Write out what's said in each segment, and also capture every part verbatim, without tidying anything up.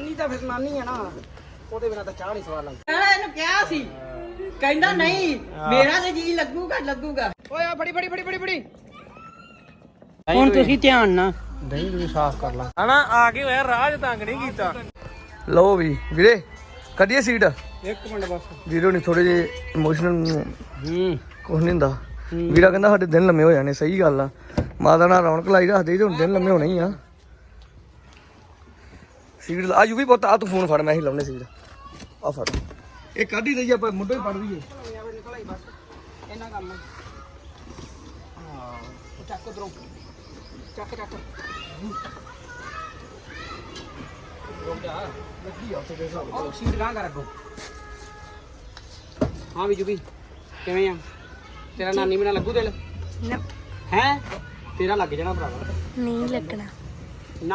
ਨਾਨੀ ਤਾਂ ਫਿਰ ਨਾਨੀ ਆ ਨਾ, ਉਹਦੇ ਬਿਨਾਂ ਤਾਂ ਚਾਹ ਨਹੀਂ ਸਵਾਦ ਲੱਗਦੀ। ਇਹਨੂੰ ਕਿਹਾ ਸੀ, ਕਹਿੰਦਾ ਨਹੀਂ ਮੇਰਾ ਤੇ ਜੀ ਲੱਗੂਗਾ ਲੱਗੂਗਾ। ਓਏ ਆ ਫੜੀ ਫੜੀ ਫੜੀ ਫੜੀ ਫੜੀ ਹੁਣ ਤੁਸੀਂ ਧਿਆਨ ਨਾਲ ਦਹੀਂ ਨੂੰ ਸਾਫ਼ ਕਰ ਲਾ ਹਨਾ। ਆ ਕੇ ਹੋਇਆ ਰਾਜ ਤੰਗ ਨਹੀਂ ਕੀਤਾ। ਲਓ ਵੀ ਵੀਰੇ ਕੱਢੀਏ ਸੀਟ। ਇੱਕ ਮਿੰਟ ਬਸ ਵੀਰੋ ਨਹੀਂ ਥੋੜੇ ਜਿਹੇ ਇਮੋਸ਼ਨਲ ਹੂੰ ਕੁਛ ਨਹੀਂ ਹੁੰਦਾ। ਵੀਰਾ ਕਹਿੰਦਾ ਸਾਡੇ ਦਿਨ ਲੰਮੇ ਹੋ ਜਾਣੇ, ਸਹੀ ਗੱਲ ਆ। ਮਾਤਾ ਨਾਲ ਰੌਣਕ ਲਾਈ ਰੱਖਦੇ ਤੇ ਹੁਣ ਦਿਨ ਲੰਮੇ ਹੋਣੇ ਹੀ ਆ। ਸੀਟ ਆ ਯੂ ਵੀ ਪੁੱਤ ਆ ਤੂੰ ਫੋਨ ਫੜ, ਮੈਂ ਹੀ ਲਾਉਣੇ ਸੀਟ ਆ ਫੜ। ਇਹ ਕੱਢ ਹੀ ਰਹੀ ਆਪਾਂ ਮੁੱਢੋਂ ਹੀ ਪੜ ਦਈਏ। ਇਹਨਾਂ ਕੰਮ ਹਾਂ ਚੱਕ ਉਧਰੋਂ ਚੱਕ ਚੱਕ ਰੁਕ ਜਾ ਲੱਗੀ ਆ ਉੱਥੇ ਦੇ ਹਿਸਾਬ ਨਾਲ ਸੀਟ ਗਾਂ ਕਰ ਅੱਗੋਂ। ਹਾਂ ਵੀ ਜੁਬੀ ਕਿਵੇਂ ਆ? ਤੇਰਾ ਨਾਨੀ ਬਿਨਾਂ ਲੱਗੂ ਦਿਲ ਨਾ ਹੈ? ਤੇਰਾ ਲੱਗ ਜਾਣਾ ਭਰਾਵਾ। ਨਹੀਂ ਲੱਗਣਾ। ਨਾ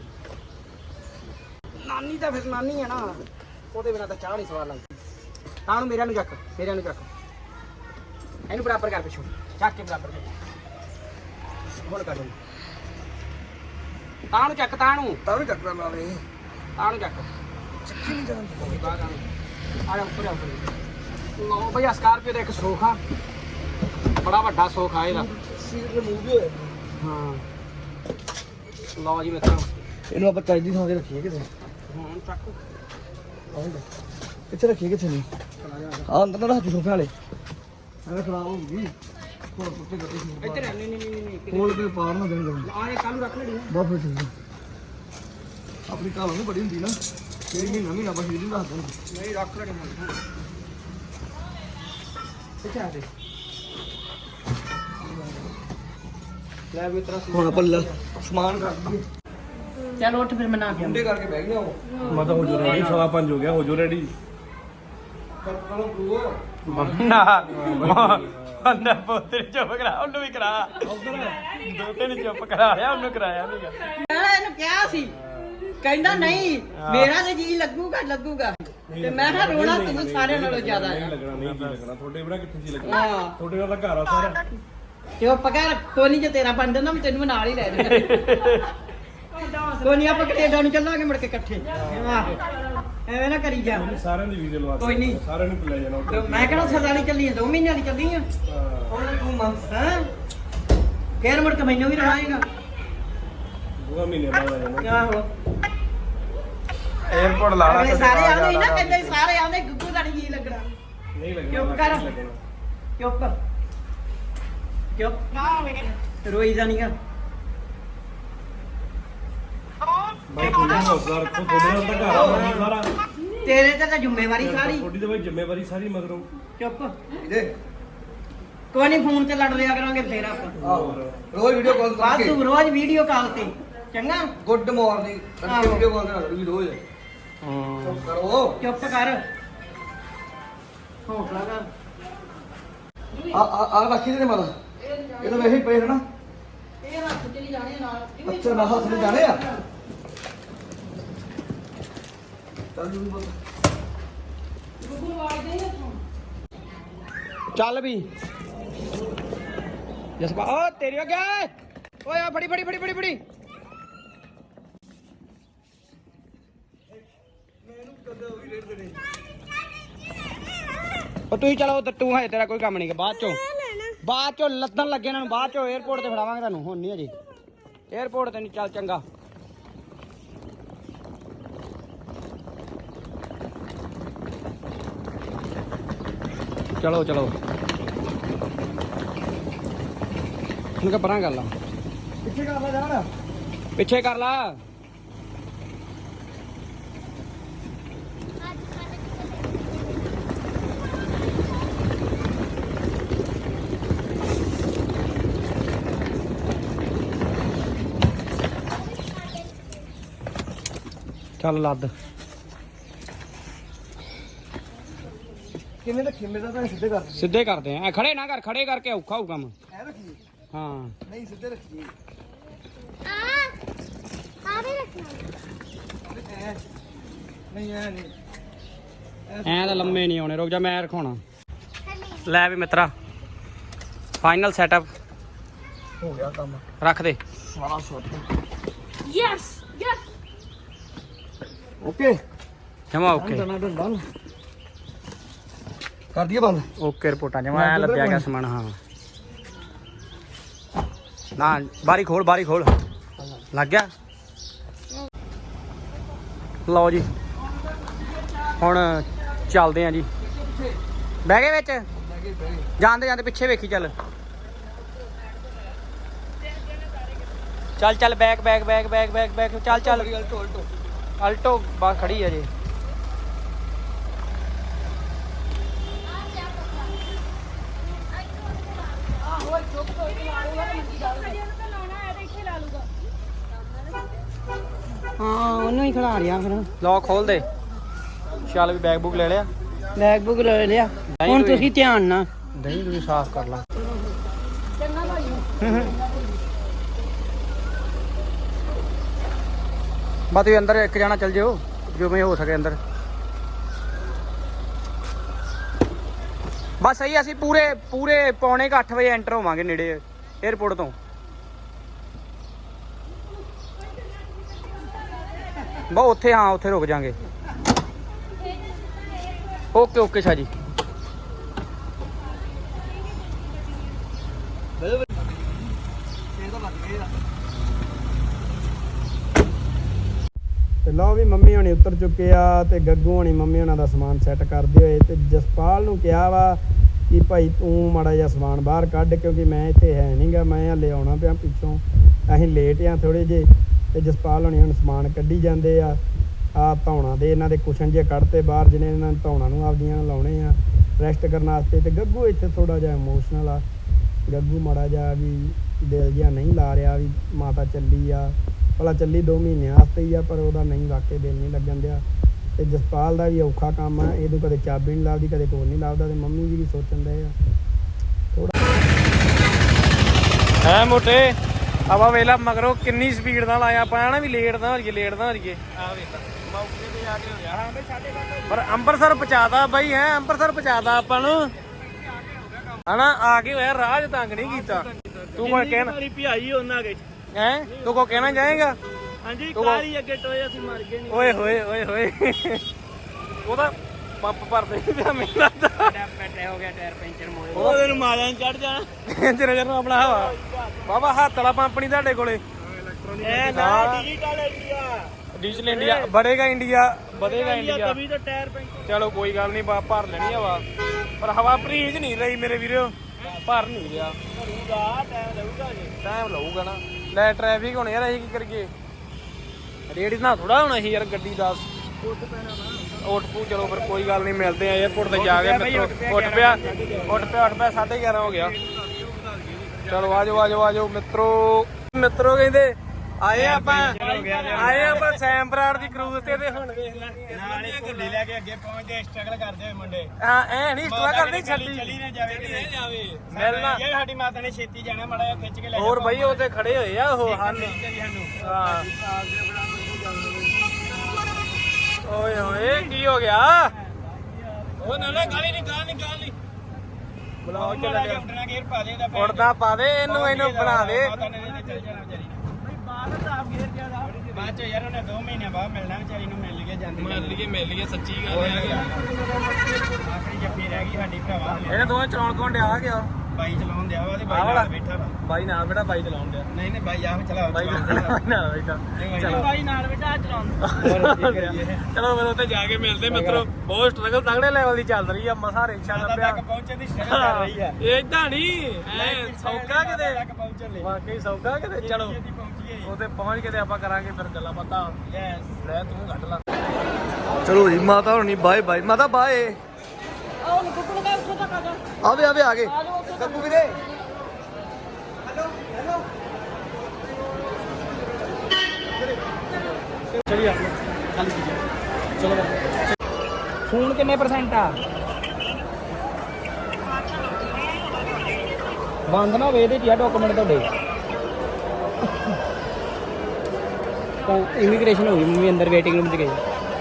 ਨਾਨੀ ਤਾਂ ਫਿਰ ਨਾਨੀ ਆ ਨਾ, ਉਹਦੇ ਬਿਨਾਂ ਤਾਂ ਚਾਹ ਨਹੀਂ ਸਵਾਦ ਲੱਗਦੀ। ਤਾਂ ਨੂੰ ਮੇਰਿਆਂ ਨੂੰ ਚੱਕ, ਮੇਰਿਆਂ ਨੂੰ ਚੱਕ, ਇਹਨੂੰ ਬਰਾਬਰ ਕਰ ਪਿੱਛੋਂ ਚੱਕ ਕੇ ਬਰਾਬਰ ਕਰ। ਹੁਣ ਕਰ ਦੂੰ ਤਾਂ ਨੂੰ ਚੱਕ, ਤਾਂ ਨੂੰ ਤਾਂ ਨੂੰ ਚੱਕਣਾ ਨਾਲੇ ਤਾਂ ਨੂੰ ਚੱਕ। ਚੱਕੀ ਨਹੀਂ ਜਾਂਦੀ ਬਾਹਰ ਆ ਆ ਜਾ ਉੱਪਰ ਆ ਉੱਪਰ। ਲਓ ਬਈ ਸਕਾਰਪੀਓ ਦਾ ਇੱਕ ਸੋਖ ਆ, ਬੜਾ ਵੱਡਾ ਸੋਖ ਆ ਇਹਦਾ। ਸੀਟ ਰਿਮੂਵ ਹੋਇਆ ਹਾਂ। ਲਓ ਜੀ ਮਿੱਤਰੋ ਇਹਨੂੰ ਆਪਾਂ ਚਾਹੀਦੀ ਥਾਂ ਤੇ ਰੱਖੀਏ ਕਿਤੇ। ਹੁਣ ਚੱਕ ਕਿੱਥੇ ਰੱਖੀਏ, ਕਿੱਥੇ ਨਹੀਂ ਆ ਅੰਦਰ ਨਾ ਰੱਖ ਸੋਫੇ ਵਾਲੇ ਐਵੇਂ ਖਰਾਬ ਹੋ ਗਈ। ਹੋਰ ਕੁੱਤੇ ਕੱਟੇ ਸੀ ਇੱਧਰ। ਨਹੀਂ ਨਹੀਂ ਨਹੀਂ ਨਹੀਂ ਕੋਲ ਤੇ ਪਾਰ ਨਾ ਦੇਣ ਆ। ਇਹ ਕੱਲ ਨੂੰ ਰੱਖ ਲੈਣੀ ਬਹੁਤ ਫਿਰ ਠੀਕ ਆਪਣੀ ਕਾਲ ਨੂੰ ਬੜੀ ਹੁੰਦੀ ਨਾ, ਤੇਰੀ ਮਹੀਨਾ ਮਹੀਨਾ ਬਸ ਇਹਦੀ ਦੱਸ ਦੇਣ। ਨਹੀਂ ਰੱਖ ਲੈਣੀ ਹੁਣ ਕਿੱਥੇ ਆ ਤੇ ਲੈ ਵੀ ਤੇਰਾ ਹੁਣ ਪੱਲਾ ਸਮਾਨ ਕਰ ਦਈਏ। ਚਲ ਉੱਠ ਫਿਰ ਮਨਾ ਕੇ ਮੁੰਡੇ ਕਰਕੇ ਬਹਿ ਗਿਆ ਉਹ। ਮੈਂ ਤਾਂ ਹੋ ਜੂ ਰੈਡੀ, ਸਵਾ ਪੰਜ ਹੋ ਗਿਆ, ਹੋ ਜੂ ਰੈਡੀ। ਕਰੋ ਪ੍ਰੂਵ ਮੰਨਾ ਮੰਨਾ ਪੋਤਰੀ ਚੁੱਪ ਕਰਾ, ਉਹਨੂੰ ਵੀ ਕਰਾ। ਦੋ ਤਿੰਨ ਚੁੱਪ ਕਰਾ ਲਿਆ, ਉਹਨੂੰ ਕਰਾਇਆ ਨਹੀਂਗਾ। ਇਹਨੂੰ ਕਿਹਾ ਸੀ, ਕਹਿੰਦਾ ਨਹੀਂ ਮੇਰਾ ਤੇ ਜੀ ਲੱਗੂਗਾ ਲੱਗੂਗਾ। ਤੇ ਮੈਂ ਕਿਹਾ ਰੋਣਾ ਤੂੰ ਸਾਰਿਆਂ ਨਾਲੋਂ ਜ਼ਿਆਦਾ ਨਹੀਂ ਆ। ਲੱਗਣਾ, ਨਹੀਂ ਜੀ ਲੱਗਣਾ। ਤੁਹਾਡੇ ਬੜਾ ਕਿੱਥੇ ਜੀ ਲੱਗਣਾ, ਹਾਂ ਤੁਹਾਡੇ ਨਾਲ ਤਾਂ ਘਰ ਆ ਸਾਰਾ। ਚੁੱਪ ਕਰ, ਕੋਨੀ ਜੇ ਤੇਰਾ ਬਣ ਜਾਂਦਾ ਮੈਂ ਤੈਨੂੰ ਨਾਲ ਹੀ ਲੈ ਜਾਣਾ। ਕੋਨੀ ਆਪਾਂ ਕੈਨੇਡਾ ਨੂੰ ਚੱਲਾਂਗੇ ਮੁੜ ਕੇ ਇਕੱਠੇ। ਆਹੋ ਐਵੇਂ ਨਾ ਕਰੀ ਜਾ। ਸਾਰਿਆਂ ਦੀ ਵੀਡੀਓ ਲਵਾ ਕੋਈ ਨਹੀਂ। ਸਾਰਿਆਂ ਨੂੰ ਲੈ ਜਾਣਾ ਉੱਥੇ। ਮੈਂ ਕਿਹੜਾ ਸਦਾ ਨਹੀਂ ਚੱਲੀ, ਦੋ ਮਹੀਨਿਆਂ ਦੀ ਚੱਲੀ ਆ। ਹੁਣ ਤੂੰ ਮੰਗ ਹਾਂ ਫੇਰ ਮੁੜ ਕੇ ਮੈਨੂੰ ਵੀ ਰਹਾਏਗਾ। ਦੋ ਮਹੀਨੇ ਬਾਅਦ ਆ ਜਾਣਾ। ਆਹੋ 에어ਪੋਰਟ ਲਾ ਅਗਲੇ ਸਾਰੇ ਆਉਂਦੇ ਸੀ ਨਾ, ਕਹਿੰਦੇ ਸੀ ਸਾਰੇ ਆਉਂਦੇ ਗੁੱਗੂ ਦਾ ਨਹੀਂ ਜੀ ਲੱਗਣਾ। ਨਹੀਂ ਲੱਗਣਾ। ਚੁੱਪ ਕਰ। ਨਹੀਂ ਲੱਗਣਾ। ਚੁੱਪ ਚੁੱਪ ਰੋਈ ਜਾਣੀਆਂ। ਬਾਈ ਤੁਹਾਡੇ ਹੌਸਲਾ ਰੱਖੋ, ਤੁਹਾਡੇ ਨਾਲ ਤਾਂ ਘਰ ਆ ਸਾਰਾ। ਤੇਰੇ ਤੇ ਤਾਂ ਜ਼ਿੰਮੇਵਾਰੀ ਸਾਰੀ। ਤੁਹਾਡੀ ਤਾਂ ਬਾਈ ਜ਼ਿੰਮੇਵਾਰੀ ਸਾਰੀ ਮਗਰੋਂ। ਚੁੱਪ ਇਹਦੇ ਕੋਈ ਨਹੀਂ, ਫੋਨ ਤੇ ਲੜ ਲਿਆ ਕਰਾਂਗੇ ਫੇਰ ਆਪਾਂ। ਆਹੋ ਰੋਜ਼ ਵੀਡੀਓ ਕਾਲ ਬਾਅਦ ਕਰਕੇ ਤੂੰ ਰੋਜ਼ ਵੀਡੀਓ ਕਾਲ ਤੇ ਚੰਗਾ। ਗੁੱਡ ਮਾਰਨਿੰਗ ਕਰਕੇ ਵੀਡੀਓ ਕਾਲ ਕਰਾ ਲਓ ਰੋਜ਼। ਹਾਂ ਕਰੋ ਚੁੱਪ ਕਰ, ਹੌਸਲਾ ਕਰ। ਆ ਆ ਆ ਰੱਖੀ ਤੇ ਮਾਤਾ ਇਹ ਤਾਂ ਵੈਸੇ ਹੀ ਪਏ ਹਨਾ। ਇਹ ਹੱਥ ਚਲੀ ਜਾਣੇ ਨਾਲ। ਅੱਛਾ ਨਾ ਹੱਥ ਨੇ ਜਾਣੇ ਆ। ਚੱਲ ਜੀ ਬੋਲ ਗੁੱਗੂ ਆਵਾਜ਼ ਦੇ ਹੱਥੋਂ। ਚੱਲ ਵੀ ਜਸਪਾ ਓ ਤੇਰੀ ਹੋ ਗਿਆ ਓਏ ਆ ਫੜੀ ਫੜੀ ਫੜੀ ਫੜੀ ਫੜੀ ਉਹ ਤੁਸੀਂ ਚਲੋ ਉਧਰ, ਤੂੰ ਹੈ ਤੇਰਾ ਕੋਈ ਕੰਮ ਨਹੀਂ। ਬਾਅਦ ਚੋਂ ਬਾਅਦ ਚੋਂ ਲੱਦਣ ਲੱਗੇ ਇਹਨਾਂ ਨੂੰ, ਬਾਅਦ ਚੋਂ 에어ਪੋਰਟ ਤੇ ਫੜਾਵਾਂਗੇ ਤੁਹਾਨੂੰ। ਹੁਣ ਨਹੀਂ ਅਜੇ 에어ਪੋਰਟ ਤੇ ਨਹੀਂ। ਚੱਲ ਚੰਗਾ ਚਲੋ ਚਲੋ ਹੁਣ ਕਾ ਪਰਾਂ ਕਰ ਲਾ, ਪਿੱਛੇ ਕਰ ਲਾ ਜਾਣ, ਪਿੱਛੇ ਕਰ ਲਾ। ਚੱਲ ਲੱਦ ਕਿਵੇਂ ਰੱਖੀ? ਮੇਰਾ ਤਾਂ ਸਿੱਧੇ ਕਰ ਸਿੱਧੇ ਕਰਦੇ ਆ, ਖੜੇ ਨਾ ਕਰ, ਖੜੇ ਕਰਕੇ ਔਖਾ ਹੋਊ ਕੰਮ। ਐ ਰੱਖੀ ਹਾਂ, ਨਹੀਂ ਸਿੱਧੇ ਰੱਖੀ। ਆ ਆ ਵੀ ਰੱਖਣਾ ਨਹੀਂ ਐ ਨਹੀਂ, ਐ ਤਾਂ ਲੰਮੇ ਨਹੀਂ ਆਉਣੇ। ਰੁਕ ਜਾ ਮੈਂ ਰਖਾਉਣਾ। ਲੈ ਵੀ ਮਿੱਤਰਾ ਫਾਈਨਲ ਸੈਟਅਪ ਹੋ ਗਿਆ ਕੰਮ। ਰੱਖ ਦੇ। ਸਾਰਾ ਸੁੱਟ ਯੈਸ ਯੈਸ ਓਕੇ ਜਮਾ ਓਕੇ ਕਰ ਦਈਏ ਬੰਦ। ਓਕੇ ਰਿਪੋਰਟਾਂ ਜਮਾ ਐ ਲੱਭਿਆ ਗਿਆ ਸਮਾਨ। ਹਾਂ ਨਾ ਬਾਰੀ ਖੋਲ ਬਾਰੀ ਖੋਲ ਲੱਗ ਗਿਆ। ਲਓ ਜੀ ਹੁਣ ਚੱਲਦੇ ਆਂ ਜੀ। ਬਹਿ ਗਏ ਵਿੱਚ ਜਾਂਦੇ ਜਾਂਦੇ ਪਿੱਛੇ ਵੇਖੀ ਚੱਲ ਚੱਲ ਚੱਲ back back back back back back ਚੱਲ ਚੱਲ ਅਲਟੋ ਬਸ ਖੜੀ ਆ ਜੀ। ਹਾਂ ਉਹਨੂੰ ਹੀ ਖਿਲਾ ਰਿਆ ਫਿਰ। ਲਓ ਖੋਲ ਦੇ। ਚੱਲ ਵੀ ਬੈਗ ਬੁੱਕ ਲੈ ਲਿਆ। ਬੈਗ ਬੁੱਕ ਲੈ ਲਿਆ। ਹੁਣ ਤੁਸੀਂ ਧਿਆਨ ਨਾਲ ਦਹੀਂ ਤੁਸੀਂ ਸਾਫ਼ ਕਰ ਲਾ। ਬਸ ਤੁਸੀਂ ਅੰਦਰ ਇੱਕ ਜਾਣਾ ਚੱਲ ਜਿਓ ਜਿਵੇਂ ਹੋ ਸਕੇ ਅੰਦਰ। ਬਸ ਸਹੀ ਅਸੀਂ ਪੂਰੇ ਪੂਰੇ ਪੌਣੇ ਕੁ ਅੱਠ ਵਜੇ ਐਂਟਰ ਹੋਵਾਂਗੇ ਨੇੜੇ ਏਅਰਪੋਰਟ ਤੋਂ। ਬਸ ਉੱਥੇ ਹਾਂ ਉੱਥੇ ਰੁਕ ਜਾਾਂਗੇ। ਓਕੇ ਓਕੇ ਸ਼ਾਹ ਜੀ। ਤੇ ਲਓ ਵੀ ਮੰਮੀ ਹੋਣੀ ਉਤਰ ਚੁੱਕੇ ਆ ਤੇ ਗੱਗੂ ਹੋਣੀ ਮੰਮੀ ਹੋਣਾ ਦਾ ਸਮਾਨ ਸੈੱਟ ਕਰਦੇ ਹੋਏ ਤੇ ਜਸਪਾਲ ਨੂੰ ਕਿਹਾ ਵਾ ਕਿ ਭਾਈ ਤੂੰ ਮਾੜਾ ਜਿਹਾ ਸਮਾਨ ਬਾਹਰ ਕੱਢ ਕਿਉਂਕਿ ਮੈਂ ਇੱਥੇ ਹੈ ਨਹੀਂਗਾ, ਮੈਂ ਹਲੇ ਆਉਣਾ ਪਿਆ ਪਿੱਛੋਂ, ਅਸੀਂ ਲੇਟ ਆ ਥੋੜੇ ਜੇ। ਤੇ ਜਸਪਾਲ ਹੋਣੀ ਹੁਣ ਸਮਾਨ ਕੱਢੀ ਜਾਂਦੇ ਆ। ਆ ਧੌਣਾ ਦੇ ਇਹਨਾਂ ਦੇ ਕੁਸ਼ਨ ਜੇ ਕੱਢਤੇ ਬਾਹਰ ਜਿਹਨੇ ਇਹਨਾਂ ਨੇ ਧੌਣਾ ਨੂੰ ਆਪਦੀਆਂ ਲਾਉਣੇ ਆ ਰੈਸਟ ਕਰਨ ਵਾਸਤੇ। ਤੇ ਗੱਗੂ ਇੱਥੇ ਥੋੜਾ ਜਿਹਾ ਇਮੋਸ਼ਨਲ ਆ। ਗੱਗੂ ਮਾੜਾ ਜਿਹਾ ਵੀ ਦਿਲ ਜਿਹਾ ਨਹੀਂ ਲਾ ਰਿਹਾ ਵੀ ਮਾਤਾ ਚੱਲੀ ਆ ਭਲਾ ਚੱਲੀ ਦੋ ਮਹੀਨੇ ਵਾਸਤੇ ਹੀ ਆ ਪਰ ਉਹਦਾ ਨਹੀਂ ਵਾਕਈ ਦਿਲ ਨਹੀਂ ਲੱਗਣ ਦਿਆ। ਤੇ ਜਸਪਾਲ ਦਾ ਵੀ ਔਖਾ ਕੰਮ ਆ। ਇਹਦੋਂ ਕਦੇ ਚਾਬੀ ਨਹੀਂ ਲੱਭਦੀ ਕਦੇ ਕੋਲ ਨਹੀਂ ਲੱਭਦਾ ਤੇ ਮੰਮੀ ਜੀ ਵੀ ਸੋਚਣ ਦੇ ਆ ਥੋੜਾ ਹੈ ਮੋਟੇ ਆਪਾਂ ਵੇਲਾ ਮਗਰੋਂ ਕਿੰਨੀ ਸਪੀਡ ਨਾਲ ਆਇਆ ਆਪਾਂ ਨਾ ਵੀ ਲੇਟ ਨਾ ਹੋ ਜਾਈਏ ਲੇਟ ਨਾ ਹੋ ਜਾਈਏ। ਆ ਵੇਖ ਮੌਕੇ ਤੇ ਆ ਕੇ ਹੋ ਗਿਆ। ਹਾਂ ਬਈ ਸਾਡੇ ਪਰ ਅੰਮ੍ਰਿਤਸਰ ਪਹੁੰਚਾਦਾ ਬਾਈ ਹੈ ਅੰਮ੍ਰਿਤਸਰ ਪਹੁੰਚਾਦਾ ਆਪਾਂ ਨੂੰ ਹਨਾ। ਆ ਕੇ ਹੋਇਆ ਰਾਜ ਤੰਗ ਨਹੀਂ ਕੀਤਾ। ਤੂੰ ਕੋਈ ਕਹਿਣਾ ਭਿਆਈ ਉਹਨਾਂ ਗਏ ਹੈ ਤੂੰ ਕੋ ਕਹਿਣਾ ਚਾਹੇਗਾ? ਹਾਂਜੀ ਕਾਲੀ ਅੱਗੇ ਟੋਏ ਅਸੀਂ ਮਰ ਗਏ ਨਹੀਂ। ਓਏ ਹੋਏ ਓਏ ਹੋਏ ਉਹਦਾ ਪੰਪ ਭਰਦੇ ਪਿਆ ਮੈਨੂੰ ਲੱਗਦਾ ਪੈਟੇ ਹੋ ਗਿਆ ਟਾਇਰ ਪੈਂਚਰ ਮੋਏ ਉਹਦੇ ਨੂੰ ਮਾਰਿਆ ਚੜ ਜਾਣਾ ਜਰਾ ਜਰਾ ਆਪਣਾ ਹਵਾ ਬਾਬਾ ਹੱਥ ਵਾਲਾ ਪੰਪ ਨਹੀਂ ਤੁਹਾਡੇ ਕੋਲੇ। ਇਹ ਨਾ ਡਿਜੀਟਲ ਇੰਡੀਆ ਡੀਜ਼ਲ ਇੰਡੀਆ ਵਧੇਗਾ ਇੰਡੀਆ ਵਧੇਗਾ ਇੰਡੀਆ। ਤभी तो टायर पंचर। ਚਲੋ ਕੋਈ ਗੱਲ ਨਹੀਂ ਬਾ ਭਰ ਲੈਣੀ ਹਵਾ ਪਰ ਹਵਾ ਭਰੀਜ ਨਹੀਂ ਰਹੀ ਮੇਰੇ ਵੀਰੋ ਭਰ ਨਹੀਂ ਰਿਹਾ। टाइम लगेगा जी ਟਾਈਮ ਲਊਗਾ ਨਾ ਲੈ ਟ੍ਰੈਫਿਕ ਹੁਣ ਯਾਰ ਅਸੀਂ ਕੀ ਕਰੀਏ ਰੇਡ ਨਾ ਥੋੜਾ ਹੋਣਾ ਸੀ ਯਾਰ ਗੱਡੀ ਦਾ ਉੱਠ ਪੂ। ਚਲੋ ਫਿਰ ਕੋਈ ਗੱਲ ਨਹੀਂ ਮਿਲਦੇ ਆ ਏਅਰਪੋਰਟ ਤੇ ਜਾ ਕੇ ਮਿੱਤਰੋ। ਉੱਠ ਪਿਆ ਉੱਠ ਪਿਆ ਉੱਠ ਪਿਆ ਸਾਢੇ ਗਿਆਰਾਂ ਹੋ ਗਿਆ। ਚਲੋ ਆਜੋ ਆਜੋ ਆਜੋ ਮਿੱਤਰੋ। ਮਿੱਤਰੋ ਕਹਿੰਦੇ ਆਏ ਆਪਾਂ ਆਏ ਆਪਾਂ ਸੈਮ ਬਰਾੜ ਦੀ ਕਰੂਜ਼ ਤੇ ਤੇ ਹੁਣ ਵੇਖ ਲੈ नाले ਗੱਡੀ ਲੈ ਕੇ ਅੱਗੇ ਪਹੁੰਚਦੇ ਸਟਰਗਲ ਕਰਦੇ ਹੋਏ ਮੁੰਡੇ। ਹਾਂ ਐ ਨਹੀਂ ਸਟਰਾ ਕਰਨੀ ਛੱਡੀ ਚਲੀ ਨਾ ਜਾਵੇ ਕਿਤੇ ਜਾਵੇ ਮਿਲਣਾ ਯਾਰ ਸਾਡੀ ਮਾਤਾ ਨੇ ਛੇਤੀ ਜਾਣਾ ਮਾੜਾ ਜਿਹਾ ਖਿੱਚ ਕੇ ਲੈ ਹੋਰ ਬਈ ਉਹ ਤੇ ਖੜੇ ਹੋਏ ਆ ਉਹ ਹਨ। ਹਾਂ ਓਏ ਹੋਏ ਕੀ ਹੋ ਗਿਆ? ਉਹ ਨਾ ਨਾ ਗਾਲੀ ਨਹੀਂ ਗਾਲ ਨਹੀਂ ਗਾਲ ਨਹੀਂ ਬੁਲਾਓ ਚੱਲ ਗਿਆ। ਉੱਡਣਾ ਗੇਰ ਪਾ ਦੇ ਦਾ ਉੜਦਾ ਪਾ ਦੇ ਇਹਨੂੰ ਇਹਨੂੰ ਬਣਾ ਦੇ। ਮਾਤਾ ਨੇ ਚੱਲ ਜਾਣਾ ਵਿਚਾਰੀ ਬਾਹਰ ਤਾਂ ਆਪ ਗੇਰ ਜਿਆਦਾ ਬਾਅਦ ਚ ਯਾਰ ਉਹਨੇ ਦੋ ਮਹੀਨੇ ਬਾਅਦ ਮਿਲਣਾ ਵਿਚਾਰੀ ਨੂੰ ਮਿਲ ਗਿਆ ਜਾਂਦੀ ਮਿਲ ਲਈਏ ਮਿਲ ਲਈਏ ਸੱਚੀ ਗੱਲ ਹੈ। ਆਖਰੀ ਜੱਫੀ ਰਹਿ ਗਈ ਸਾਡੀ ਭਰਾਵਾ। ਇਹਨੇ ਦੋਵੇਂ ਚਲਾਉਣ ਕੋਣ ਡਿਆ ਗਿਆ ਬਾਈ ਚਲਾਉਣ ਦਿਆ ਵਾ ਤੇ ਆਹ ਬਾਈ ਵਾਲਾ? ਨਾਲ ਬੈਠਾ ਵਾ। ਬਾਈ ਨਾਲ ਬੇਟਾ ਬਾਈ ਚਲਾਉਣ ਡਿਆ ਨਹੀਂ ਨਹੀਂ ਬਾਈ ਆਪ ਚਲਾ ਬਾਈ ਨਾਲ ਬੈਠਾ ਚਲੋ ਬਾਈ ਨਾਲ ਬੈਠਾ ਚਲਾਉਂਦਾ। ਚਲੋ ਫਿਰ ਉੱਥੇ ਜਾ ਕੇ ਮਿਲਦੇ ਮਿੱਤਰੋ। ਬਹੁਤ ਸਟਰਗਲ ਤਗੜੇ ਲੈਵਲ ਦੀ ਚੱਲ ਰਹੀ ਆ ਮਸਾ ਰਿਕਸ਼ਾ ਲੱਭਿਆ ਤੱਕ ਪਹੁੰਚਣ ਦੀ ਸਟਰਗਲ ਕਰ ਰਹੀ ਆ। ਇਹ ਇਦਾਂ ਨਹੀਂ ਐ ਸੌਕਾ ਕਿਤੇ ਤੱਕ ਪਹੁੰਚਣ ਲਈ ਵਾਕਈ ਸੌਕਾ ਕਿਤੇ। ਚਲੋ ਉੱਥੇ ਪਹੁੰਚ ਕੇ ਤੇ ਆਪਾਂ ਕਰਾਂਗੇ ਫਿਰ ਗੱਲਾਂ ਬਾਤਾਂ। ਯੈਸ ਲੈ ਤੂੰ ਕੱਢ ਲਾ। ਚਲੋ ਜੀ ਮਾਤਾ ਹੋਣੀ ਬਾਏ ਬਾਏ ਮਾਤਾ ਬਾਏ। ਆਹ ਨੂੰ ਕੁੱਕੜ ਦਾ ਉੱਥੇ ਤੱਕ ਆ ਜਾ। ਆਵੇ ਆਵੇ ਆ ਗਏ ਕੱਕੂ ਵੀਰੇ। ਚਲਿਏ ਚੱਲ ਚਲੋ ਫੋਨ ਕਿੰਨੇ ਪਰਸੈਂਟ ਆ? ਬੰਦ ਨਾ ਹੋਵੇ ਇਹਦੇ ਚ ਆ ਡਾਕੂਮੈਂਟ ਤੁਹਾਡੇ। ਤਾਂ ਇਮੀਗ੍ਰੇਸ਼ਨ ਹੋ ਗਈ ਮੰਮੀ ਅੰਦਰ ਵੇਟਿੰਗ ਰੂਮ 'ਚ ਗਈ।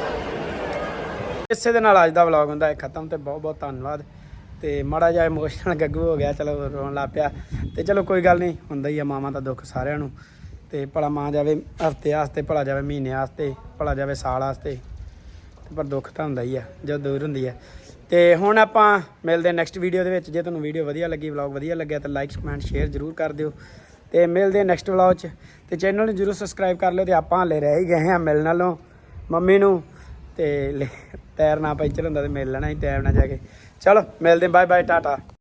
ਇਸੇ ਦੇ ਨਾਲ ਅੱਜ ਦਾ ਵਲੌਗ ਹੁੰਦਾ ਹੈ ਖਤਮ ਤੇ ਬਹੁਤ ਬਹੁਤ ਧੰਨਵਾਦ। ਤੇ ਮਾੜਾ ਜਿਹਾ ਇਮੋਸ਼ਨਲ ਗੱਗੂ ਹੋ ਗਿਆ ਚਲੋ ਰੋਣ ਲੱਗ ਪਿਆ ਤੇ ਚਲੋ ਕੋਈ ਗੱਲ ਨਹੀਂ ਹੁੰਦਾ ਹੀ ਆ ਮਾਵਾਂ ਦਾ ਦੁੱਖ ਸਾਰਿਆਂ ਨੂੰ। ਤੇ ਭਲਾ ਮਾਂ ਜਾਵੇ ਹਫਤੇ ਵਾਸਤੇ, ਭਲਾ ਜਾਵੇ ਮਹੀਨੇ ਵਾਸਤੇ, ਭਲਾ ਜਾਵੇ ਸਾਲ ਵਾਸਤੇ, ਤੇ ਪਰ ਦੁੱਖ ਤਾਂ ਹੁੰਦਾ ਹੀ ਆ ਜਦੋਂ ਦੂਰ ਹੁੰਦੀ ਆ। ਤੇ ਹੁਣ ਆਪਾਂ ਮਿਲਦੇ ਨੈਕਸਟ ਵੀਡੀਓ ਦੇ ਵਿੱਚ। ਜੇ ਤੁਹਾਨੂੰ ਵੀਡੀਓ ਵਧੀਆ ਲੱਗੀ, ਵਲੌਗ ਵਧੀਆ ਲੱਗਿਆ ਤਾਂ ਲਾਈਕ ਕਮੈਂਟ ਸ਼ੇਅਰ ਜ਼ਰੂਰ ਕਰ ਦਿਓ। ਤੇ ਮਿਲਦੇ ਨੈਕਸਟ ਵਲੌਗ 'ਚ। ਤੇ ਚੈਨਲ ਨੂੰ ਜ਼ਰੂਰ ਸਬਸਕ੍ਰਾਈਬ ਕਰ ਲਿਓ। ਤੇ ਆਪਾਂ ਹਾਲੇ ਰਹਿ ਹੀ ਗਏ ਹਾਂ ਮਿਲਣ ਨਾਲੋਂ ਮੰਮੀ ਨੂੰ, ਤੇ ਟਾਇਰ ਨਾ ਪੈਂਚਰ ਹੁੰਦਾ ਤੇ ਮਿਲ ਲੈਣਾ ਸੀ ਟਾਈਮ ਨਾਲ ਜਾ ਕੇ। ਚਲੋ ਮਿਲਦੇ, ਬਾਏ ਬਾਏ, ਟਾਟਾ।